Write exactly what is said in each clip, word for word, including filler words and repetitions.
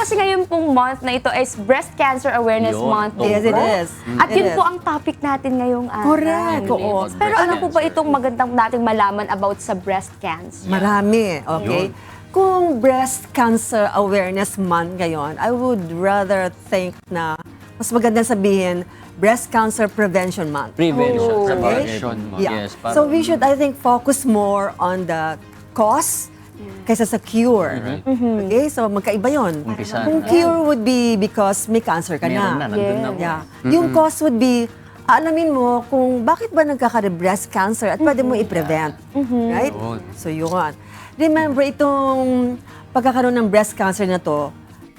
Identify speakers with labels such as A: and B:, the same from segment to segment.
A: kasi ngayon pong month na ito is Breast Cancer Awareness
B: Yun.
A: Month.
B: Oh,
A: din
C: Yes, it
A: po.
C: is.
A: At
C: It
A: yun
C: is.
A: po ang topic natin ngayong araw.
C: Correct, oo.
A: Pero
B: Breast
A: ano po ba
B: cancer.
A: itong magandang nating malaman about sa breast cancer?
C: Marami, okay? Kung Breast Cancer Awareness Month ngayon, I would rather think na mas maganda sabihin Breast Cancer Prevention Month.
B: Prevention.
A: Oh.
B: Prevention.
C: Yeah.
B: Yes. para-
C: So we should, I think, focus more on the cause kaysa sa cure. Okay? So magkaiba yun.
B: Umpisa
C: Kung
B: na.
C: cure would be because may cancer ka
B: Meron na,
C: na.
B: nandun na.
C: Yeah. Yung cause would be, alamin mo kung bakit ba nagkaka-breast cancer at pwede mo i-prevent. Right? So yun. Remember, itong pagkakaroon ng breast cancer na to,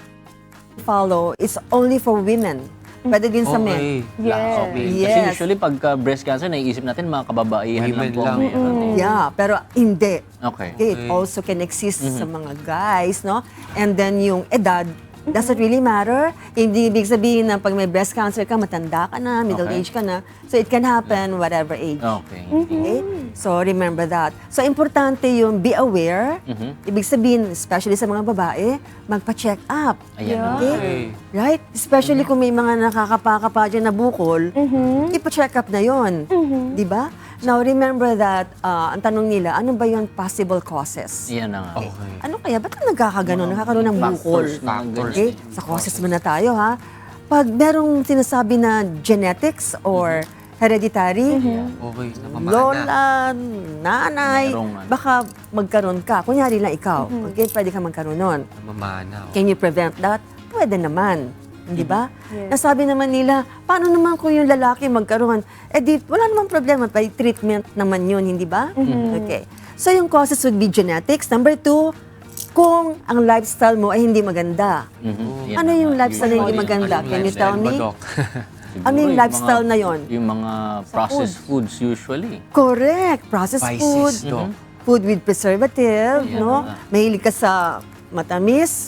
C: follow, it's only for women. Pwede din sa men.
A: Yes.
B: Okay.
C: Yes.
B: Kasi usually pagka breast cancer, naiisip natin mga kababaihan lang
D: Women
B: po. ang
D: lang.
B: meron eh.
C: Yeah, pero hindi.
B: Okay.
C: Okay, it also can exist sa mga guys, no? And then yung edad, doesn't really matter. Hindi ibig sabihin na pag may breast cancer ka, matanda ka na, middle
B: Okay.
C: age ka na. So it can happen whatever age.
B: Okay.
C: Okay? So remember that. So importante yung be aware. Ibig sabihin, especially sa mga babae, magpa-check up.
B: Ayan.
C: Okay? Right? Especially kung may mga nakakapaka dyan na bukol, ipa-check up na yon. Di ba? Now, remember that, uh, ang tanong nila, ano ba yung possible causes?
B: Yan na nga.
D: Okay.
C: Ano kaya? Ba't nagkakaganon? Nakakaroon ng bukol?
B: Factors na ganyan.
C: Okay? Sa causes muna tayo, ha? Pag merong sinasabi na genetics or hereditary,
D: Okay, namamana.
C: lola, nanay,
B: Merong ano.
C: baka magkaroon ka. Kunyari lang ikaw, okay? Pwede ka magkaroon nun.
D: Namamana.
C: Can you prevent that? Pwede naman. Di ba? Nasabi naman nila, paano naman kung yung lalaki magkaroon? Eh di, wala namang problema. By treatment naman yun, hindi ba? Okay. So yung causes would be genetics. Number two, kung ang lifestyle mo ay hindi maganda.
B: Mhm. Yan
C: Ano
B: na
C: yung
B: nga.
C: lifestyle na hindi
B: Usually,
C: maganda?
D: Ano
C: Can you
D: lifestyle
C: tell
D: ba,
C: me?
D: Doc?
B: siguro
C: Ano yung
B: mga-
C: lifestyle na yon?
B: Yung mga processed foods usually.
C: Correct. Processed
D: Spices,
C: food.
D: Doc.
C: Food with preservative,
B: Ayan
C: no?
B: na.
C: Mahilig ka sa matamis.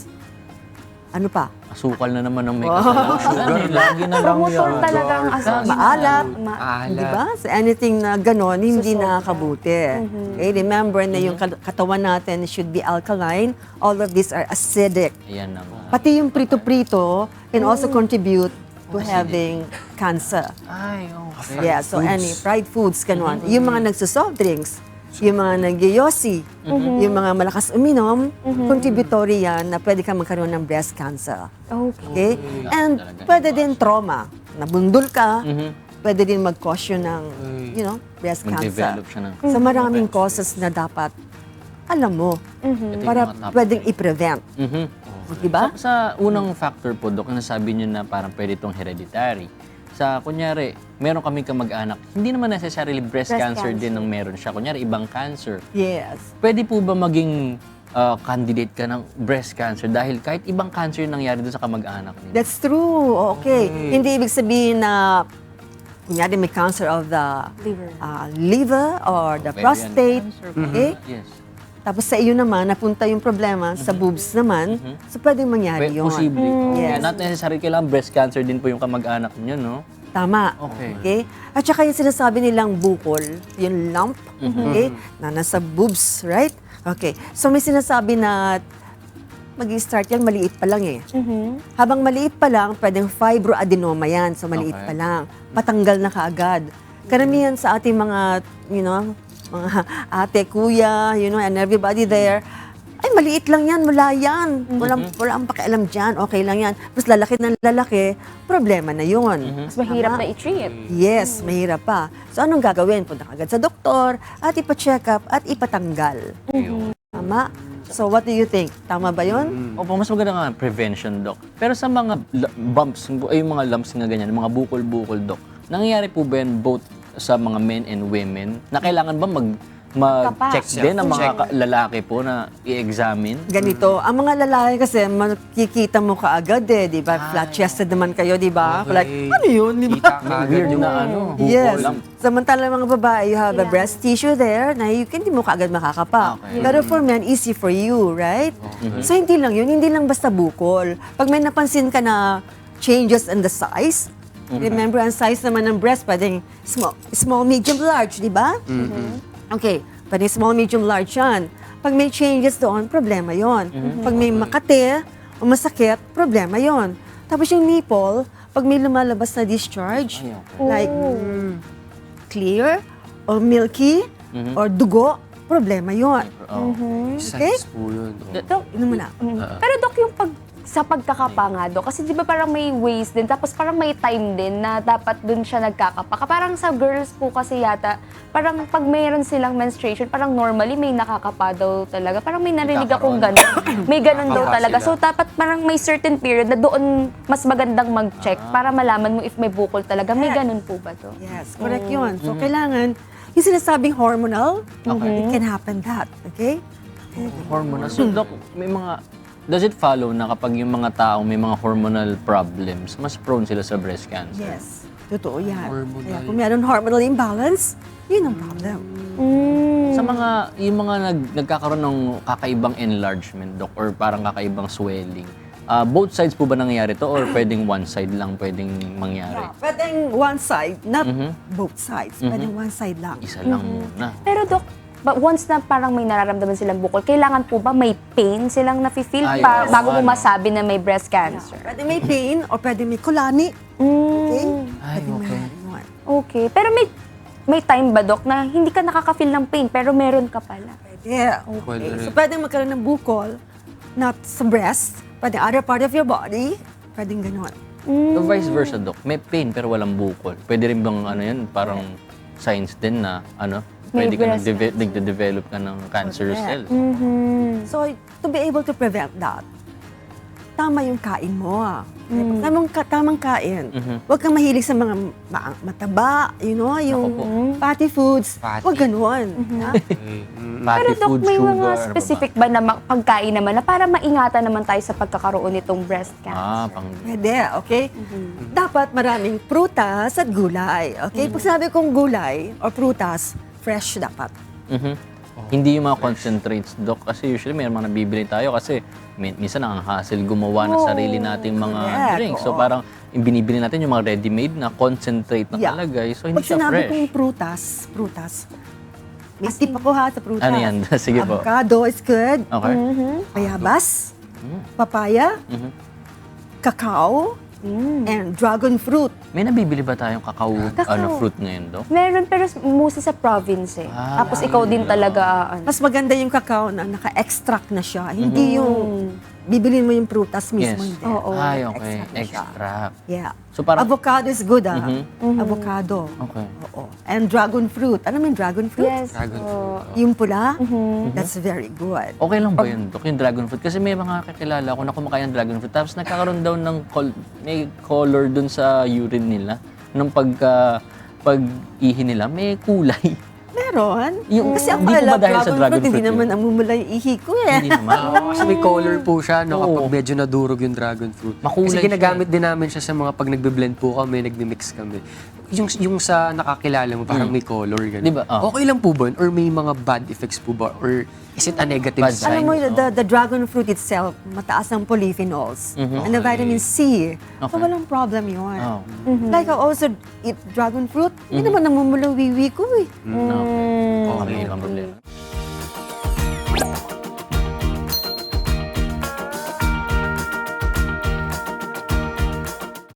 C: Ano pa?
B: Asukal na naman ang may kasalanan. Lagi na lang
A: Promotor
B: yan.
A: talagang asal.
C: Maalat.
A: Ma-
D: Alat.
C: Di ba? So anything na ganon, hindi
A: Susobra.
C: nakakabuti. Okay, remember na yung kat- katawan natin should be alkaline. All of these are acidic.
B: Ayan na nga.
C: Pati yung prito-prito can also contribute to having cancer.
B: Ay, okay.
C: Yeah, so any fried foods, ganon. Yung mga nagsusoft drinks, yung mga nagyoyosi, yung mga malakas uminom, contributory yan na pwede kang magkaroon ng breast cancer.
A: Okay.
C: Okay? And pwede din trauma. Nabundol ka,
B: Mhm.
C: pwede din mag-cause yun ng, you know, breast cancer.
B: Mag-develop siya ng...
C: So maraming causes na dapat alam mo
B: Ito yung
C: para
B: mga top
C: pwedeng i-prevent.
B: Mhm.
C: Di ba?
B: Sa, sa unang factor po, Dok, nasabi niyo na parang pwede itong hereditary. Sa, kunyari, meron kaming kamag-anak, hindi naman necessarily breast,
A: Breast
B: cancer,
A: cancer.
B: din ang meron siya. Kunyari, ibang cancer.
C: Yes.
B: Pwede po ba maging ah, candidate ka ng breast cancer dahil kahit ibang cancer yung nangyari doon sa kamag-anak niyo?
C: That's true. Okay. Hindi ibig sabihin na kunyari may cancer of the
A: Liver.
C: uh, liver or the
B: Ovarian
C: prostate.
B: cancer.
C: Okay?
B: Yes.
C: Tapos sa iyo naman, napunta yung problema sa boobs naman. So pwedeng mangyari
B: Pwede,
C: yun.
B: posible. Okay.
C: Yes.
B: Not necessarily kailangan breast cancer din po yung kamag-anak niyo, no?
C: Tama.
B: Okay.
C: At saka yung sinasabi nilang bukol, yung lump, okay, na nasa boobs, right? Okay. So may sinasabi na mag-start yan, maliit pa lang eh. Habang maliit pa lang, pwedeng fibroadenoma yan. So maliit
B: Okay.
C: pa lang. Patanggal na kaagad. Karamihan sa ating mga, you know, mga ate, kuya, you know, and everybody there, ay, maliit lang yan, wala yan. Walang, wala ang pakialam dyan, okay lang yan. Mas lalaki ng lalaki, problema na yun.
A: Mas mahirap
C: Tama?
A: na i-treat.
C: Yes, mahirap pa. So anong gagawin? Punta ka agad sa doktor at ipa-check up at ipatanggal. Tama? So what do you think? Tama ba yun?
B: Opo, mas maganda nga prevention, Doc. Pero sa mga l- bumps, ay yung mga lumps nga ganyan, mga bukol-bukol, Doc, nangyayari po ba yan both sa mga men and women? Na kailangan ba mag mag-check
A: Kapas.
B: din ng mga
D: Check.
B: ka- lalaki po na i-examine?
C: Ganito, ang mga lalaki kasi makikita mo kaagad eh, di ba? Flat-chested naman kayo, di ba?
D: Okay.
C: Like, ano yun, di ba?
D: Kita ka agad
B: Weird
D: yung
B: na ano, bukol
C: Yes.
B: lang.
C: Samantalang mga babae, you have a
A: Yeah.
C: breast tissue there na you can, hindi mo kaagad makakapa.
B: Okay.
C: Pero for men, easy for you, right? So hindi lang yun, hindi lang basta bukol. Pag may napansin ka na changes in the size, remember ang size naman ng breast, pwedeng small, small medium, large, di ba? Okay, pwedeng small, medium, large yan. Pag may changes doon, problema yon. Pag may makate, o masakit, problema yon. Tapos yung nipple, pag may lumalabas na discharge,
B: Ay, okay.
C: like mm, clear or milky
B: Mhm.
C: or dugo, problema yon.
B: Oh.
C: Okay?
D: Sense po yun. oh.
A: Dok,
C: Yun mo na.
A: mm. Pero Dok, yung pag sa pagkakapa nga, Dok, kasi di ba parang may ways din, tapos parang may time din na dapat dun siya nagkakapa. Parang sa girls po kasi yata, parang pag mayroon silang menstruation, parang normally may nakakapa daw talaga. Parang may narinig akong gano'n. May gano'n daw
D: Nakakapa
A: talaga.
D: sila.
A: So dapat parang may certain period na doon mas magandang mag-check para malaman mo if may bukol talaga. May gano'n po ba to?
C: Yes, correct yun. So, kailangan, yung sinasabing hormonal, it can happen that. Okay?
B: Hormonal. So, Doc, may mga, does it follow na kapag yung mga tao may mga hormonal problems, mas prone sila sa breast cancer?
C: Yes. Totoo yan.
D: Hormonal.
C: Kaya kung meron hormonal imbalance, yun ang problem.
B: Sa mga, yung mga nag, nagkakaroon ng kakaibang enlargement, Doc, or parang kakaibang swelling, ah, both sides po ba nangyayari to or pwedeng one side lang pwedeng mangyari?
C: Pwedeng one side, not both sides. Pwedeng one side lang.
B: Isa lang muna.
A: Pero Dok, but once na parang may nararamdaman silang bukol, kailangan po ba may pain silang nafe-feel
B: Ay,
A: pa
B: oo,
A: bago mo
B: ano.
A: masabi na may breast cancer?
C: Pwede may pain or pwede may kulani. Okay?
B: Ay,
C: Pwede
B: okay.
C: may yun.
A: Okay. Pero may may time ba, Dok, na hindi ka nakaka-feel ng pain pero meron ka pala?
C: Yeah.
D: Pwede
C: Okay.
D: rin.
C: So, pwedeng magkaroon ng bukol, not sa breast, pwede other part of your body, pwedeng ganon.
B: So, vice versa, Doc. May pain pero walang bukol. Pwede rin bang ano yun, parang signs din na ano,
A: May
B: pwede ka
A: breast
B: nag-deve- nagde-develop ka ng cancerous
C: Correct.
B: cells.
C: So, to be able to prevent that, tama yung kain mo.
A: Mm.
C: Tamang, ka, tamang kain.
B: Mhm.
C: Huwag kang mahilig sa mga ma- mataba, you know, yung
B: Ako
C: fatty foods.
D: Fatty.
C: Huwag ganon. ha?
D: Okay. Mm.
B: Fatty
A: Pero Dok,
B: food,
A: may
B: sugar,
A: mga
B: ano ba ba?
A: specific ba na ma- pagkain naman na para maingatan naman tayo sa pagkakaroon nitong breast cancer?
B: Ah, pang...
C: Pwede, okay? Dapat maraming prutas at gulay. Okay? Pag sabi kong gulay or prutas, fresh dapat.
B: Mhm. Hindi yung mga concentrates, Doc. Kasi usually may mga nabibili tayo kasi min- minsan ang hassle gumawa ng sarili nating mga
C: correct,
B: drinks. So
C: oo.
B: parang yung binibili natin yung mga ready-made na concentrate na
C: Yeah.
B: talagay. So hindi
C: Pag
B: siya
C: sinabi
B: fresh.
C: kong prutas, prutas, may tip ako ha sa prutas.
B: Ano yan? Sige po.
C: Avocado is good.
B: Okay.
C: Bayabas,
B: Mm.
C: papaya,
B: Mhm.
C: cacao, and dragon fruit.
B: May nabibili ba tayong kakao,
A: Kakao.
B: ano, fruit ngayon, Doc?
A: Meron, pero mostly sa province eh.
B: Ah,
A: Tapos ikaw din talaga, ah, ano.
C: Mas maganda yung cacao na naka-extract na siya. Hindi yung bibilin mo yung prutas mismo.
B: Yes.
C: Hindi.
A: Oo.
B: Ay, okay.
C: Extract na siya.
B: Extract.
C: Yeah.
B: So parang...
C: Avocado is good ah.
B: Mhm.
C: Avocado.
B: Okay.
C: Oo. And dragon fruit. Alam mo yung dragon fruit?
A: Yes.
D: Dragon
A: oo.
D: fruit.
C: Yung pula? That's very good.
B: Okay lang ba yun, Doc, yung dragon fruit? Kasi may mga kakilala ko na kumakain ng dragon fruit tapos nagkakaroon daw ng col- may color dun sa urine nila. Nung pagka pag-ihi nila, may kulay.
C: Meron.
B: Yung-
C: Kasi ako
B: hindi po ba
C: alam,
B: dahil sa
C: dragon,
B: dragon
C: fruit, hindi
B: fruit
C: naman
B: yun?
C: namumula yung ihi ko eh.
B: Hindi naman.
D: Kasi may color po siya no, kapag
B: Oo.
D: medyo nadurog yung dragon fruit.
B: Makulay
D: Kasi
B: siya.
D: ginagamit din namin siya sa mga pag nagbe-blend po kami, nagmi-mix kami. Yung, yung sa nakakilala mo, parang may color. Ganun.
B: Di ba? Ah.
D: Okay lang po ba? yun? Or may mga bad effects po ba? Or is it a negative
B: Bad
D: sign?
C: Alam mo,
B: Signs,
C: the, the dragon fruit itself, mataas ang polyphenols. And the vitamin C. So
B: Okay.
C: walang problem yun.
B: Oh.
C: Like I also eat dragon fruit, hindi naman namumula wiwi ko eh.
B: Okay.
A: Mm.
B: Okay, ibang problema.